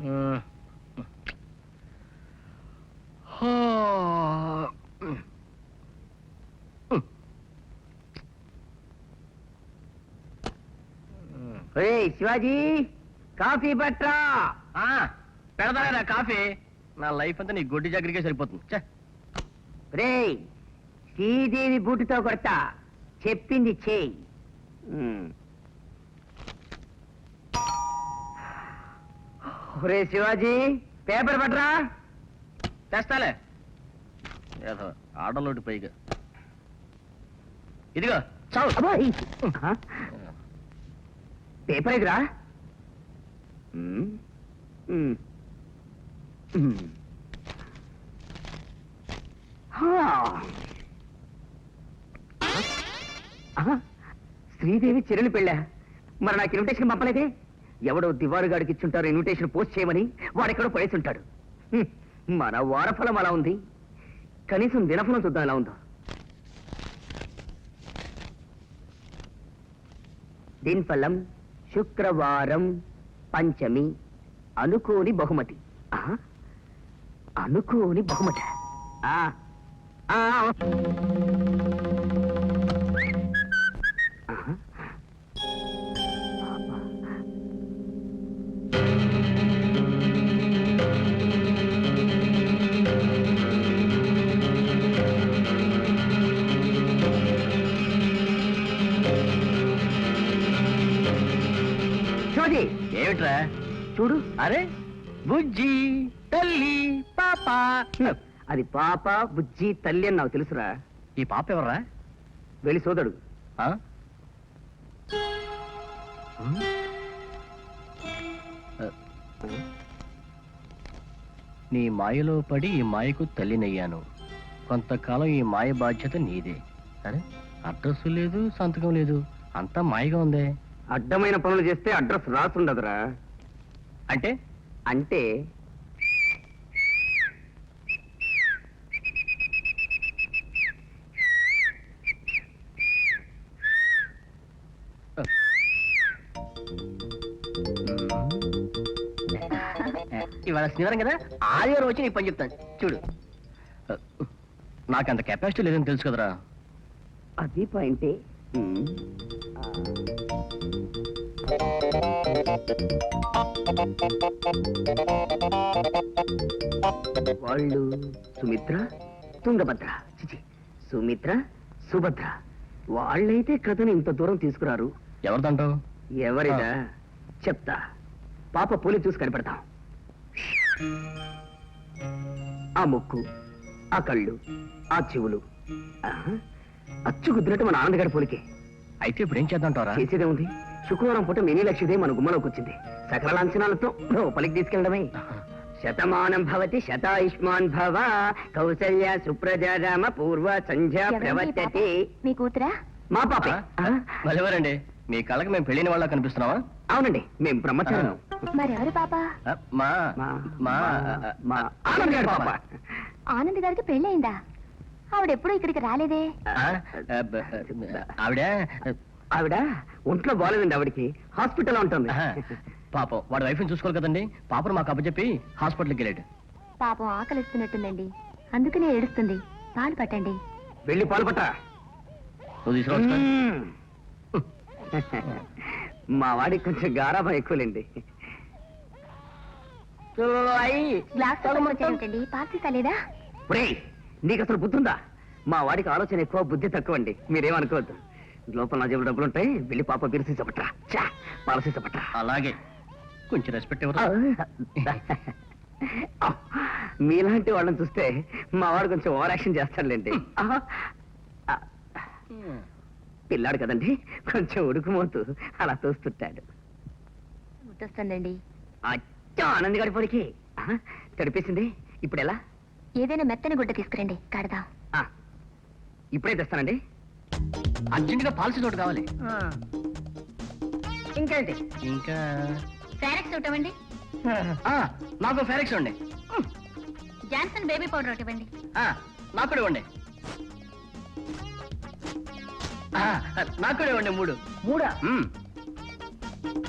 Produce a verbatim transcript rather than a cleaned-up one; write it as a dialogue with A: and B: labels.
A: Shivaji coffee పట్రా.
B: పెడతారా coffee? నా లైఫ్ అంతా నీ గొడ్డి జాగ్రత్తగా సరిపోతుంది.
A: రే శ్రీదేవి బూటుతో కొడతా, చెప్పింది చేయి. రే శివాజీ పేపర్ పట్రా.
B: తెస్తాలే ఆడలోటి పైగా. ఇదిగో
A: పేపర్ ఎదురా. శ్రీదేవి చెల్లెలు పెళ్ళా? మరి నాకు ఇన్విటేషన్ పంపలేదే? ఎవడో దివారుగాడికి ఇచ్చుంటారు ఇన్విటేషన్ పోస్ట్ చేయమని, వాడెక్కడో పడేసి ఉంటాడు. మన వారఫలం అలా ఉంది, కనీసం దినఫలం చూద్దాం ఎలా ఉందో. దినఫలం శుక్రవారం పంచమి, అనుకోని బహుమతి. అనుకోని బహుమతి.
B: ఏమిట్రా
A: చూడు.
B: అరే బుజ్జి తల్లి పాప.
A: అది పాప బుజ్జి తల్లి అని నాకు తెలుసురా.
B: ఈ పాప ఎవర్రా?
A: వెళ్ళి సోదడు.
B: నీ మాయలో పడి ఈ మాయకు తల్లినయ్యాను. కొంతకాలం ఈ మాయ బాధ్యత నీదే. అరే అడ్రస్ లేదు, సంతకం లేదు, అంతా మాయగా ఉందే.
A: అడ్డమైన పనులు చేస్తే అడ్రస్ రాసుండదురా.
B: అంటే
A: అంటే
B: ఇవాళ శనివారం కదా, ఆదివారం వచ్చి నీకు పని చెప్తాను చూడు. నాకంత కెపాసిటీ లేదని తెలుసు కదరా.
A: అది పాయింటే. వాళ్ళు సుమిత్ర తుంగభద్ర, చిచి సుమిత్ర సుభద్ర. వాళ్ళైతే కథను ఇంత దూరం తీసుకురారు.
B: ఎవరిదంటావు?
A: ఎవరిదా చెప్తా. పాప పోలి చూసి కనిపెడతాం. ఆ ముక్కు, ఆ కళ్ళు, ఆ చెవులు అచ్చు కుదిరినట్టు మన ఆనందగారి పోలికే.
B: అయితే ఇప్పుడు ఏం చేద్దాంటారా?
A: చేసేదే ఉంది. శుక్రవారం పూట మినీ లక్ష్మీదేవి మన గుమ్మలోకి వచ్చింది. సకల లాంఛనాలతో లోపలికి తీసుకెళ్ళడమే. శతమానం భవతి శతాయుష్మాన్ భవ, కౌసల్య సుప్రజా రామ పూర్వ సంధ్యా ప్రవర్తతే.
C: మీ కూతురా?
A: మా పాపే.
B: మరెవరండి? మీ కళ్ళకి మేము పెళ్ళిన వాళ్ళ కనిపిస్తున్నావా?
A: అవునండి, మేము బ్రహ్మచారం.
C: మరెవరు పాప?
B: మా
A: మా ఆనంద్ గారి పాప.
C: ఆనంద్ గారికి పెళ్ళయిందా? ఆవిడెప్పుడు ఇక్కడికి రాలేదే.
B: ఆవిడ
A: ఆవిడ ఒంట్లో బాగాలేదండి. ఆవిడకి హాస్పిటల్ ఉంటుంది.
B: పాపం వాడి వైఫ్ని చూసుకోవాలి కదండి. పాపను మాకు అప్పచెప్పి హాస్పిటల్కి వెళ్ళాడు.
C: పాపం ఆకలిస్తున్నట్టుందండి, అందుకనే ఏడుస్తుంది. పాలు పట్టండి.
A: వెళ్ళి పాలు పట్ట.
B: నువ్వు తీసుకురా.
A: మా వాడికి కొంచెం గారాభం ఎక్కువలేండి.
C: పార్సల్ తలేదా?
A: నీకు అసలు బుద్ధి ఉందా? మా వాడికి ఆలోచన ఎక్కువ, బుద్ధి తక్కువ అండి. మీరేమనుకోవద్దు. లోపల నా జేబులు డబ్బులు ఉంటాయి. వెళ్ళి పాప బీరు సీసపట్రా, పాల సీసపట్రా.
B: అలాగే కొంచెం రెస్పెక్ట్ ఇవ్వరు.
A: మీలాంటి వాళ్ళని చూస్తే మా వాడు కొంచెం ఓవర్ యాక్షన్ చేస్తాడులేండి. పిల్లాడు కదండి, కొంచెం ఉడుకుమోతూ అలా చూస్తుంటాడు.
C: గుర్తొస్తుందండి.
A: అచ్చా ఆనంద్ గారి పొడికి తడిపేసింది. ఇప్పుడు ఎలా?
C: ఏదైనా మెత్తని గుడ్డ తీసుకురండి, కడదాం.
A: ఇప్పుడే తెస్తానండి.
B: అర్జెంటుగా పాలసీ తోటి కావాలి.
A: ఇంకేంటి?
B: ఇంకా
C: ఫెరెక్స్ ఇవ్వండి.
B: నాకు ఫెరెక్స్ ఇవ్వండి.
C: జాన్సన్ బేబీ పౌడర్ ఇవ్వండి.
B: నాకు కూడా ఇవ్వండి. నాకు కూడా ఇవ్వండి. మూడు
A: మూడా?